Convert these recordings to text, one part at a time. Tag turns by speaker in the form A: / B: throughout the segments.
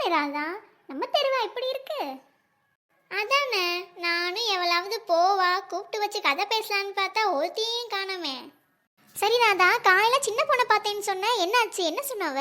A: அதானே ராதா, நம்ம தெருவா இப்படி இருக்கு. அதானே, நானும் எவ்வளவு போவா கூப்பிட்டு வச்சு கதை பேசலான்னு பார்த்தா ஒருத்தையும் காணோமே. சரி ராதா, காலையில சின்ன பொண்ணை பார்த்தேன்னு சொன்ன, என்னாச்சு, என்ன சொன்னவ?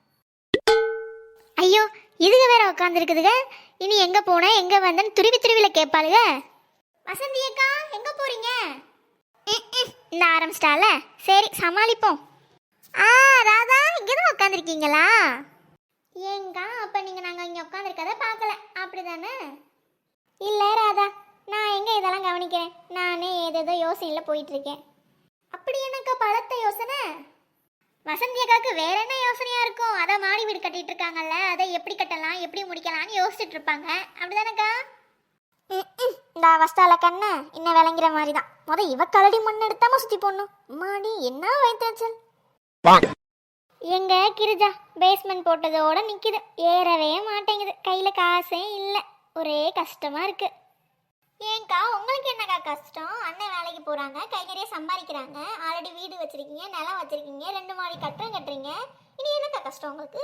A: ஐயோ, இதுக வேற உட்காந்துருக்குதுங்க. இனி எங்க போன எங்க வந்தன்னு துருவி துருவில கேட்பாளுக. வசந்தி அக்கா, எங்க போறீங்க? இந்த ஆரம்பிச்சிட்டால, சரி சமாளிப்போம். ராதா, இங்கதான் உட்காந்துருக்கீங்களா? ஏங்க, அப்ப நீங்க நாங்க இங்க உட்காந்துருக்கத பார்க்கல அப்படிதானே? இல்ல ராதா, நான் எங்க இதெல்லாம் கவனிக்கிறேன், நானே ஏதேதோ யோசனையில போயிட்டு இருக்கேன். அப்படி எனக்கு பலத்த யோசனை? வசந்தி அக்காவுக்கு வேற என்ன யோசனையா இருக்கும்? அதான் மாடி வீடு கட்டிட்டு இருக்காங்கல்ல, அதை எப்படி கட்டலாம் எப்படி முடிக்கலாம்னு யோசிச்சுட்டு இருப்பாங்க அப்படிதானக்கா? இந்த அவஸ்தால கண்ண இன்னும் விளங்குற மாதிரி தான். இவ கலடி மண் எடுத்தாம சுத்தி போடணும். மாடி என்ன வைத்தச்சல். எங்க கிரிஜா பேஸ்மெண்ட் போட்டதோட நிக்குது, ஏறவே மாட்டேங்குது. கையில காசே இல்ல, ஒரே கஷ்டமா இருக்கு. ஏங்கா, உங்களுக்கு என்னக்கா கஷ்டம்? அண்ணன் வேலைக்கு போறாங்க, கை நிறைய சம்பாதிக்கிறாங்க, ஆல்ரெடி வீடு வச்சிருக்கீங்க, நிலம் வச்சிருக்கீங்க, 2 மாடி கட்டுறீங்க. இனி என்னக்கா கஷ்டம் உங்களுக்கு?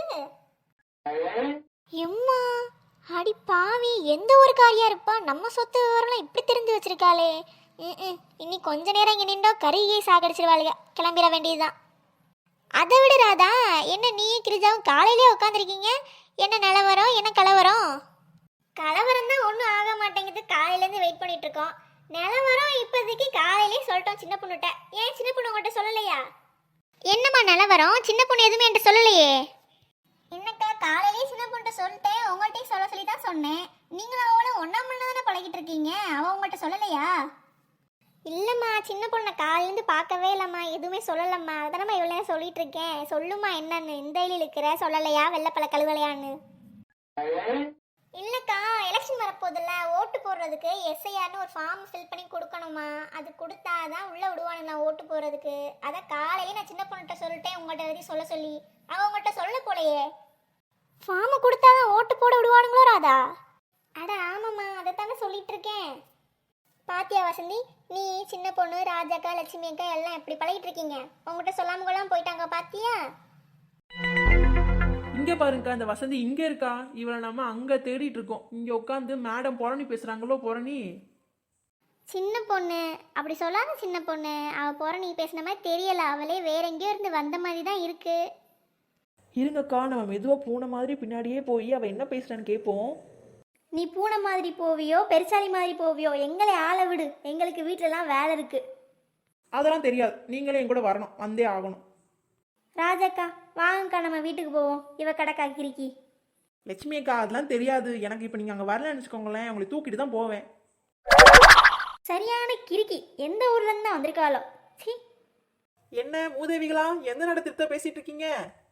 A: எம்மா அடி பாவி, எந்த ஒரு காரியா இருப்பா, நம்ம சொத்து விவரம்லாம் இப்படி தெரிஞ்சு வச்சிருக்காளே. இனி கொஞ்ச நேரம் இங்க நின்றோ கருகியே சாகடிச்சிருவாளுங்க, கிளம்பிட வேண்டியதுதான். அதை விட ராதா, என்ன நீ கிரிஜாவும் காலையிலே உட்காந்துருக்கீங்க, என்ன நிலவரம் என்ன கலவரம்? கலவரம் தான் ஒன்றும் ஆக மாட்டேங்குது, காலையிலேருந்து வெயிட் பண்ணிட்டு இருக்கோம். நிலவரம் இப்போதைக்கு காலையிலே சொல்லிட்டோம் சின்ன பொண்ணுகிட்ட. ஏன் சின்ன பொண்ணு உங்கள்கிட்ட சொல்லலையா? என்னம்மா நிலவரம்? சின்ன பொண்ணு எதுவுமே என்கிட்ட சொல்லலையே. என்னக்கா, காலையிலேயே சின்ன பொண்ணுகிட்ட சொல்லிட்டேன், உங்கள்கிட்டையும் சொல்ல சொல்லி தான் சொன்னேன். நீங்களும் அவளும் ஒன்றா மண்ணு தானே பழகிட்டு இருக்கீங்க, அவள் உங்கள்கிட்ட சொல்லலையா? இல்லைம்மா, சின்ன பொண்ணை காலையிலேருந்து பார்க்கவே இல்லைம்மா, எதுவுமே சொல்லலைம்மா. அதானம்மா இவ்வளோ நேரம் சொல்லிட்டு இருக்கேன். சொல்லுமா என்னன்னு, இந்த வழியில் இருக்கிற சொல்லலையா வெள்ளைப்பழ கழுவலையான்னு? இல்லைக்கா, எலெக்ஷன் வரப்போதில்ல, ஓட்டு போடுறதுக்கு எஸ்ஐஆர்னு ஒரு ஃபார்ம் ஃபில் பண்ணி கொடுக்கணுமா, அது கொடுத்தாதான் உள்ளே விடுவானுங்களா ஓட்டு போடுறதுக்கு. அதை காலையிலே நான் சின்ன பொண்ணுகிட்ட சொல்லிட்டேன், உங்கள்கிட்ட எழுதி சொல்ல சொல்லி. அவள் உங்கள்கிட்ட சொல்ல போலையே. ஃபார்மை கொடுத்தாதான் ஓட்டு போட விடுவானுங்களோ ராதா? அட ஆமாம்மா, அதை தானே சொல்லிட்டு இருக்கேன். பாத்தியா வசந்தி, நீ சின்ன பொண்ணு ராஜாக்கா லட்சுமி அக்கா எல்லாம் எப்படி பழகிட்டு இருக்கீங்க, உங்கள்கிட்ட சொல்லாம கொள்ளாம போயிட்டாங்க பாத்தியா?
B: இங்கே பாருங்கக்கா, இந்த வசந்தி இங்கே இருக்கா. இவளை நம்ம அங்கே தேடிட்டு இருக்கோம். இங்கே உட்காந்து மேடம் புரணி பேசுகிறாங்களோ. புரணி
A: சின்ன பொண்ணு அப்படி சொல்லாத சின்ன பொண்ணு, அவள் புரணி பேசின மாதிரி தெரியல, அவளே வேற எங்கேயோ இருந்து வந்த மாதிரி தான் இருக்கு.
B: இருங்கக்கா, நம்ம மெதுவாக பூனை மாதிரி பின்னாடியே போய் அவள் என்ன பேசுகிறான்னு கேட்போம்.
A: நீ பூனை மாதிரி போவியோ பெருசாலி மாதிரி போவியோ, எங்களை ஆளை விடு, எங்களுக்கு வீட்டிலலாம் வேலை இருக்கு.
B: அதெல்லாம் தெரியாது, நீங்களே என் கூட வரணும், வந்தே ஆகணும்.
A: ராஜாக்கா வாங்கக்கா, நம்ம வீட்டுக்கு போவோம். இவ கடக்கா கிரிக்கி.
B: லட்சுமி அக்கா, அதெல்லாம் தெரியாது எனக்கு. இப்போ நீங்கள் அங்கே வரலன்னு வச்சுக்கோங்களேன், உங்களை தூக்கிட்டு தான் போவேன்.
A: சரியான கிரிக்கி, எந்த ஊர்ல இருந்து தான் வந்திருக்காளோ. சி,
B: என்ன மூதேவிகளா, எந்த நடத்திட்ட பேசிட்டு இருக்கீங்க?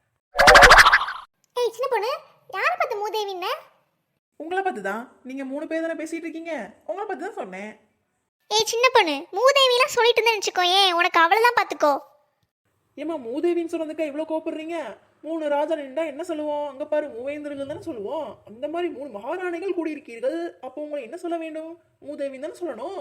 A: ஏய் சின்ன பொண்ணு, யாரை பார்த்து மூதேவின்ன?
B: உங்களை பார்த்து தான். நீங்கள் 3 பேர் தானே பேசிட்டு இருக்கீங்க, உங்களை பார்த்து தான் சொன்னேன்.
A: ஏய் சின்ன பொண்ணு, மூதேவிலாம் சொல்லிட்டு இருந்தேன்னு வச்சுக்கோ, ஏன் உனக்கு அவ்வளோதான் பார்த்துக்கோ.
B: ஏமா மூதேவின்னு சொன்னதுக்கா இவ்வளோ கோப்படுறீங்க? 3 ராஜா நின்றா என்ன சொல்லுவோம்? அங்கே பாரு மூவேந்திரங்கள் தானே சொல்லுவோம். அந்த மாதிரி 3 மகாராணிகள் கூடியிருக்கீர்கள், அப்போ உங்களை என்ன சொல்ல வேண்டும்? மூதேவின்னு தானே சொல்லணும்.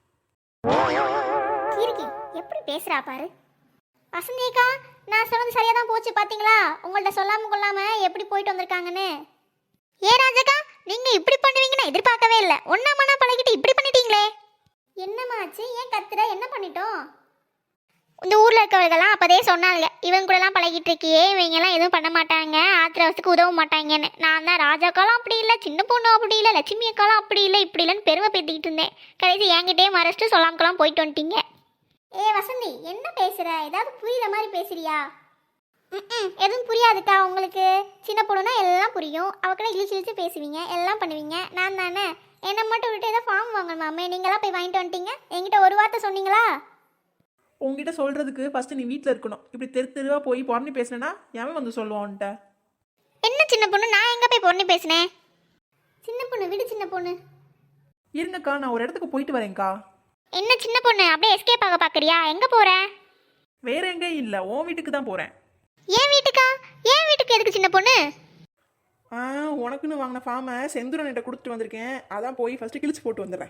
A: கீர்த்தி எப்படி பேசுறா பாரு. வசந்தியக்கா, நான் சொன்னது சரியா தான் போச்சு பாத்தீங்களா? உங்கள்ட்ட சொல்லாம கொள்ளாம எப்படி போயிட்டு வந்திருக்காங்கன்னு. ஏ ராஜாக்கா, நீங்க இப்படி பண்ணுவீங்கன்னு எதிர்பார்க்கவே இல்லை. ஒன்னா மண்ணா பழகிட்டு இப்படி பண்ணிட்டீங்களே. என்னமாச்சு, ஏன் கத்துற, என்ன பண்ணிட்டோம்? இந்த ஊரில் இருக்கவர்கள்லாம் அப்போதே சொன்னாங்க, இவங்க கூடலாம் பழகிட்டு இருக்கியே, இவங்கெல்லாம் எதுவும் பண்ண மாட்டாங்க, ஆத்திரவசத்துக்கு உதவ மாட்டாங்கன்னு. நான் தான் ராஜாக்காலாம் அப்படி இல்லை, சின்ன பொண்ணு அப்படி இல்லை, லட்சுமி அக்காலாம் அப்படி இல்லை, இப்படி இல்லைன்னு பெருமை பேத்திக்கிட்டு இருந்தேன். கடைசி என்கிட்டே மறைச்சிட்டு சொல்லாமக்கெல்லாம் போயிட்டு வந்துட்டீங்க. ஏ வசந்தி, என்ன பேசுகிற? ஏதாவது புரியுற மாதிரி பேசுறியா? எதுவும் புரியாதுக்கா உங்களுக்கு. சின்ன பொண்ணுனா எல்லாம் புரியும், அவக்கிட்ட இழிச்சு இழிச்சு பேசுவீங்க, எல்லாம் பண்ணுவீங்க. நான் தானே என்னை மட்டும் விட்டு ஏதோ ஃபார்ம் வாங்கணுமாமே, நீங்களாம் போய் வாங்கிட்டு வந்துட்டீங்க. என்கிட்ட ஒரு வார்த்தை சொன்னீங்களா?
B: உங்ககிட்ட சொல்கிறதுக்கு ஃபஸ்ட்டு நீ வீட்டில் இருக்கணும். இப்படி தெருவா போய் புரணி பேசினேன்னா எவன் வந்து சொல்லுவான்ட்ட?
A: என்ன சின்ன பொண்ணு, நான் எங்கே போய் பொண்ணு பேசினேன்? சின்ன பொண்ணு விடு, சின்ன பொண்ணு
B: இருங்கக்கா, நான் ஒரு இடத்துக்கு போயிட்டு வரேன்க்கா.
A: என்ன சின்ன பொண்ணு அப்படியே எஸ்கேப் ஆக பார்க்குறியா? எங்கே போகிற?
B: வேற எங்கேயும் இல்லை, உன் வீட்டுக்கு தான் போகிறேன்.
A: ஏன் வீட்டுக்கா? ஏன் வீட்டுக்கு எதுக்கு சின்ன பொண்ணு?
B: உனக்குன்னு வாங்கின ஃபார்மை செந்துரன்கிட்ட கொடுத்துட்டு வந்திருக்கேன், அதான் போய் ஃபஸ்ட்டு கிழிச்சு போட்டு வந்துடுறேன்.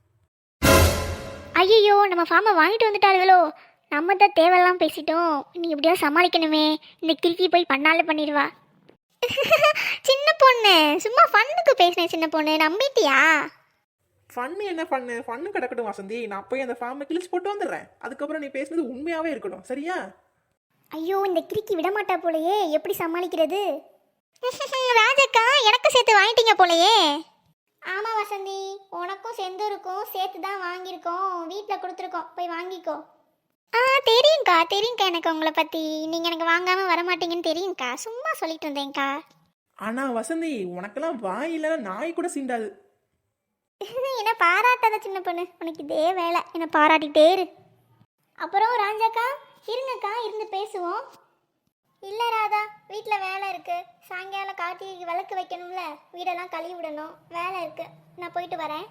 A: ஐயோ, நம்ம ஃபார்மை வாங்கிட்டு வந்துட்டாளுகளோ. நம்ம தான் தேவையெல்லாம் பேசிட்டோம். நீ எப்படியாவது சமாளிக்கணுமே. இந்த கிறுக்கி போய் பண்ணாலே பண்ணிடுவா. சின்ன பொண்ணு சும்மா ஃபன்னுக்கு பேசினேன் சின்ன பொண்ணு, நம்பிட்டியா?
B: ஃபன்னு என்ன ஃபன்னு? ஃபன்னு கிடக்கட்டும் வசந்தி, நான் போய் அந்த ஃபார்மை கிழிச்சு போட்டு வந்துடுறேன். அதுக்கப்புறம் நீ பேசுனது உண்மையாவே இருக்கட்டும், சரியா?
A: ஐயோ இந்த கிறுக்கி விடமாட்டா போலயே, எப்படி சமாளிக்கிறது? ராஜக்கா எனக்கு சேர்த்து வாங்கிட்டீங்க போலயே. ஆமா வசந்தி, உனக்கும் செந்தூருக்கும் சேர்த்து தான் வாங்கியிருக்கோம், வீட்டில் கொடுத்துருக்கோம், போய் வாங்கிக்கோ. தெரியும்க்கா தெரியும்க்கா, எனக்கு உங்களை பற்றி நீங்கள் எனக்கு வாங்காமல் வரமாட்டீங்கன்னு தெரியும்க்கா, சும்மா சொல்லிட்டு இருந்தேன்க்கா.
B: ஆனா வசந்தி, உனக்கெல்லாம் வாய் இல்லைன்னா நாய் கூட சீண்டாது.
A: என்ன பாராட்டாத சின்ன பொண்ணு, உனக்கு இதே வேலை, என்னை பாராட்டிகிட்டே இரு. அப்புறம் ராஜாக்கா இருங்கக்கா, இருந்து பேசுவோம். இல்லை ராதா, வீட்டில் வேலை இருக்குது, சாயங்காலம் கார்த்திகைக்கு விளக்கு வைக்கணும்ல, வீடெல்லாம் கழுவி விடணும், வேலை இருக்குது, நான் போயிட்டு வரேன்.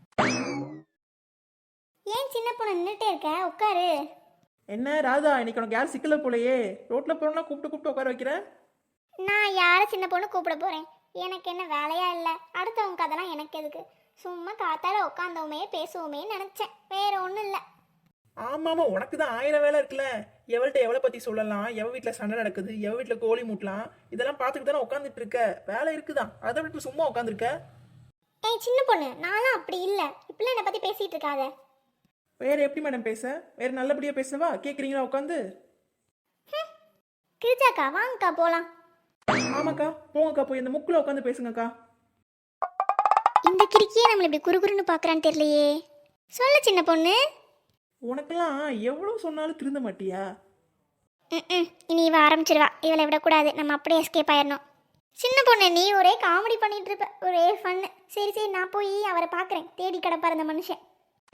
A: ஏன் சின்ன பொண்ணு நின்றுட்டே இருக்க, உட்காரு.
B: என்ன ராதா, இன்னைக்கு உனக்கு யாரும் சிக்கல போலையே? ரோட்ல போறோம்னா கூப்பிட்டு உட்கார வைக்கிறேன்.
A: நான் யாரை சின்ன பொண்ணு கூப்பிட போகிறேன்? எனக்கு என்ன வேலையா இல்லை, அடுத்தவங்க கதெல்லாம் எனக்கு எதுக்கு? சும்மா காத்தால உட்காந்தோமே பேசுவோமே நினச்சேன், வேற ஒன்றும் இல்லை.
B: ஆமாமா, உனக்கு தான் 1000 வேலை இருக்குல்ல. எவள்கிட்ட எவளை பத்தி சொல்லலாம், எவ வீட்டில் சண்டை நடக்குது, எவ வீட்டில் கோழி மூட்டலாம், இதெல்லாம் பார்த்துக்கிட்டு தானே உட்காந்துட்டு இருக்க. வேலை இருக்குதான், அதை விட்டு சும்மா உட்காந்துருக்க.
A: ஏய் சின்ன பொண்ணு, நான்லாம் அப்படி இல்லை, இப்பெல்லாம் என்னை பற்றி பேசிகிட்டு இருக்காத.
B: வேற எப்படி மேடம் பேச? வேற நல்லபடியா பேசவா? கேட்குறீங்களா உட்காந்து?
A: கிரிஜாக்கா வாங்கக்கா போகலாம்.
B: ஆமாக்கா, போங்கக்கா, போய் இந்த முக்கில் உட்காந்து பேசுங்கக்கா.
A: இந்த கிறுக்கியே நம்மளை இப்படி குறுகுறுன்னு பார்க்குறான்னு தெரியலையே. சொல்ல சின்ன பொண்ணு.
B: உனக்கெல்லாம் எவ்வளோ சொன்னாலும் திருந்த மாட்டியா?
A: இனி இவ ஆரம்பிச்சிருவா, இவளை விடக்கூடாது, நம்ம அப்படியே எஸ்கேப் ஆயிடணும். சின்ன பொண்ணு நீ ஒரே காமெடி பண்ணிட்டு இருப்ப, ஒரே ஃபன்னு. சரி சரி, நான் போய் அவரை பார்க்குறேன், தேடி கிடப்பார் அந்த மனுஷன்.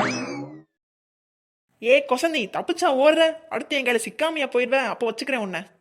B: ஏ கொசந்தி, தப்பிச்சா ஓடுற, அடுத்து என் கையில் சிக்காமையா போயிடுவேன், அப்போ வச்சுக்கிறேன் உன்னை.